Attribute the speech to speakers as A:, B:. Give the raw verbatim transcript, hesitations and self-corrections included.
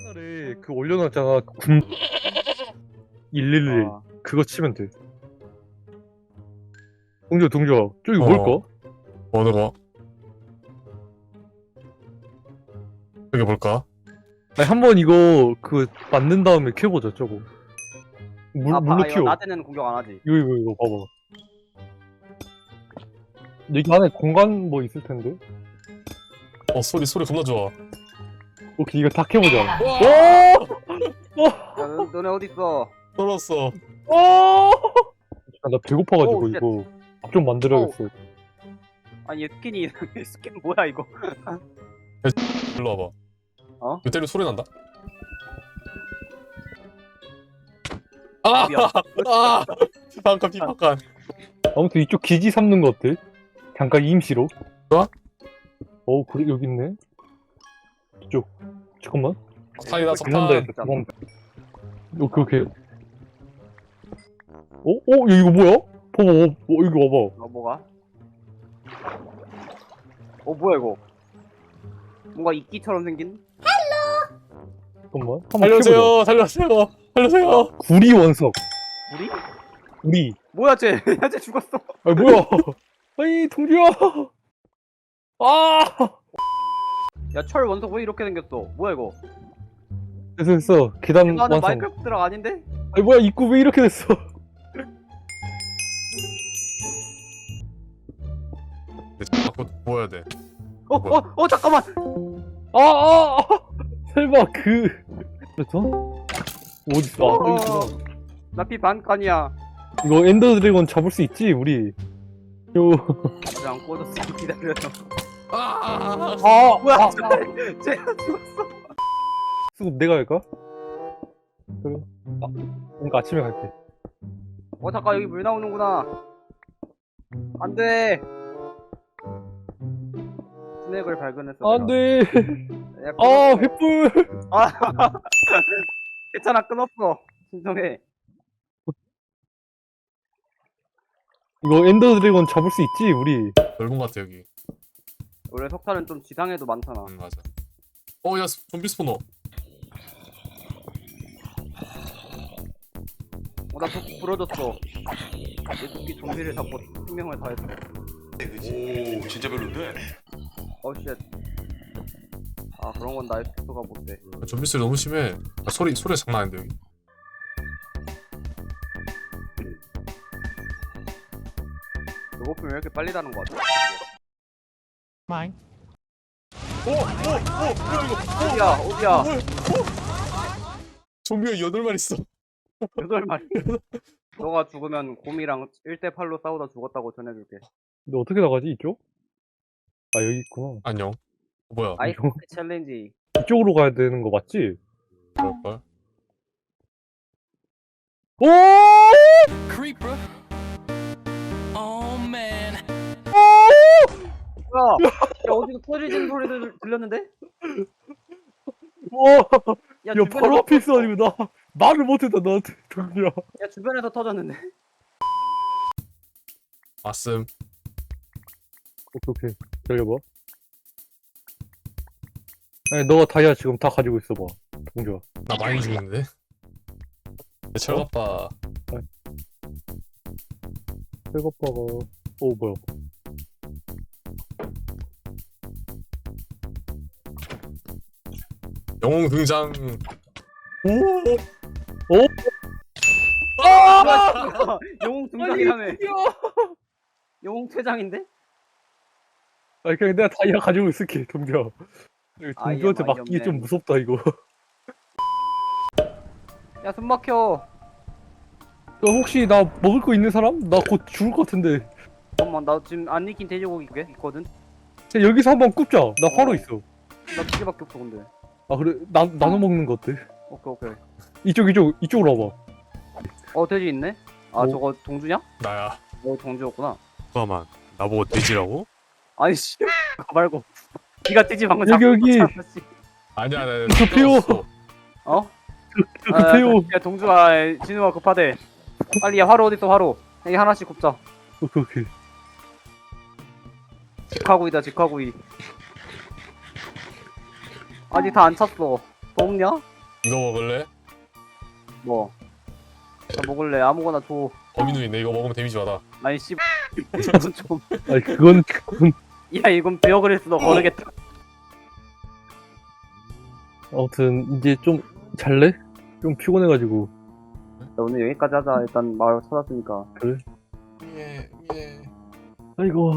A: 채널에 그 올려놨잖아. 군 일일일
B: 아.
A: 그거 치면 돼. 동조 동조 저기
C: 어.
A: 뭘까?
C: 어느 거? 여기 볼까?
A: 아니 한번 이거 그 만든 다음에 캐보자 저거. 물
B: 아,
A: 물로
B: 봐, 이거
A: 튀어.
B: 낮에는 공격 안 하지.
A: 이거 이거 이거 봐봐. 여기 안에 공간 뭐 있을 텐데.
C: 어 소리 소리 겁나 좋아.
A: 오케이 이거 다 캐보자.
B: 야, 너, 너네 어디 있어?
C: 떨었어.
A: 오! 아, 나 배고파가지고
B: 오, 쉣.
A: 이거 밥 좀 만들어야겠어.
B: 아니 얘 스킨이 스킨 뭐야 이거?
C: 일로 와봐.
B: 어?
C: 이거 때리면 소리 난다. 아!
B: 미안.
C: 아! 피판칸 피판칸.
A: 아무튼 이쪽 기지 삼는 거 어때? 잠깐 임시로.
C: 좋아?
A: 어 그래 여기 있네. 이쪽. 잠깐만.
C: 사이다
A: 죽는다
C: 석탄.
A: 했어. 잠깐만. 오케이 오케이. 어? 어? 야, 이거 뭐야? 봐봐, 어, 어, 이거 봐봐.
B: 어 뭐가? 어 뭐야 이거? 뭔가 이끼처럼 생긴?
A: 잠깐만. 한번
C: 살려주세요. 살려주세요. 살려주세요.
A: 켜보자. 구리 원석.
B: 우리?
A: 우리.
B: 뭐야 쟤? 야 쟤 죽었어.
A: 아 뭐야? 아이 동주야. 아.
B: 야 철 원석 왜 이렇게 생겼어? 뭐야 이거?
A: 됐어 됐어. 계단
B: 이거 하는
A: 완성.
B: 마인크래프트 드락 아닌데?
A: 아니 뭐야 입구 왜 이렇게 됐어?
C: 근데 자꾸 모여야 돼.
B: 어 어 어 잠깐만.
A: 아, 아, 아. 설마 그. 그렇죠? 어디 있어? 아, 저기 있구나.
B: 나피 반칸이야.
A: 이거 엔더 드래곤 잡을 수 있지 우리. 요.
B: 왜안 꽂았어? 기다려.
C: 아!
A: 아
B: 뭐야?
A: 아,
B: 쟤 죽었어.
A: 수급 내가 할까? 그래. 아, 그러니까 아침에 갈게.
B: 어 잠깐 여기 물 나오는구나. 안돼. 스낵을 발견했어.
A: 안돼.
B: 야,
A: 아
B: 끊었어.
A: 횃불.
B: 아 괜찮아 끊었어. 진정해.
A: 이거 엔더 드래곤 잡을 수 있지 우리.
C: 넓은 것 같아 여기.
B: 원래 석탄은 좀 지상에도 많잖아.
C: 응 맞아. 어야 좀비 스포너.
B: 어나 도끼 부러졌어. 내 도끼 좀비를 잡고 생명을 다했어.
D: 오 진짜 별론데?
B: 어쉣. 아 그런 건 나의 속도가 못 돼.
C: 좀비 소리 너무 심해. 아, 소리 소리 장난 아닌데 여기.
B: 배고프면 왜 이렇게 빨리 다는 거 같아?
C: 마잉. 오오오
B: 어디야 어디야?
C: 좀비가 여덟 마리 있어.
B: 여덟 마리. 너가 죽으면 곰이랑 일 대 팔로 싸우다 죽었다고 전해줄게.
A: 근데 어떻게 나가지 이쪽? 아 여기 있구나.
C: 안녕. 어, 뭐야?
B: 아이스 챌린지.
A: 이쪽으로 가야 되는 거 맞지?
C: 그럴걸?
A: 오!
E: Creeper. Oh man.
B: 뭐야? 야 어디서 터지는 소리 들, 들렸는데?
A: 와!
B: 야,
A: 야
B: 주변에서
A: 바로 앞에
B: 터졌어.
A: 있어가지고 나 말을 못했다 너한테 동주야.
B: 야 주변에서 터졌는데.
C: 왔음.
A: 오케이 오케이 기다려봐. 아니 너가 다이아 지금 다 가지고 있어봐 동주야.
C: 나 많이 죽는데. 내 철갑바.
A: 백오빠가 오 뭐야?
C: 영웅 등장.
A: 오!
B: 아! 영웅 등장이라며. 영웅 퇴장인데?
A: 아니 그냥 내가 다이아 가지고 있을게 동주야.
B: 아, 얘
A: 동주한테
B: 많이
A: 맡기기
B: 없네.
A: 좀 무섭다 이거.
B: 야 숨막혀.
A: 너 혹시 나 먹을 거 있는 사람? 나 곧 죽을 것 같은데.
B: 잠깐만 나 지금 안 익힌 돼지고기 꽤 있거든?
A: 자, 여기서 한번 굽자. 나 화로 있어.
B: 나 두 개밖에 없어 근데.
A: 아 그래 나 나눠 먹는 거 어때?
B: 오케이 오케이.
A: 이쪽 이쪽 이쪽으로 와봐.
B: 어 돼지 있네? 아
A: 오.
B: 저거 동주냐?
C: 나야.
B: 어 동주였구나.
C: 잠깐만. 나보고 돼지라고?
B: 아니 씨. 그거 말고. 니가 돼지 방금
A: 여기,
B: 잡고
A: 여기.
B: 있었잖아, 씨.
C: 아니야 아니야.
A: 급해요.
B: 어?
A: 급해요.
B: 야 동주아 진우가 급하대. 빨리 야 화로 어딨어 화로. 여기 하나씩 굽자.
A: 오케이 오케이.
B: 직화구이다 직화구이. 아직 다 안 찼어. 더 먹냐?
C: 이거 먹을래?
B: 뭐? 나 먹을래. 아무거나 줘.
C: 범인우인데 이거 먹으면 데미지 받아.
B: 아니 씨. 이건 좀.
A: 아니 그건 그건
B: 야 이건 베어그릴스도 거르겠다.
A: 아무튼 이제 좀 잘래? 좀 피곤해가지고.
B: 야, 오늘 여기까지 하자. 일단 마을 찾았으니까.
C: 예, 예.
A: 아이고.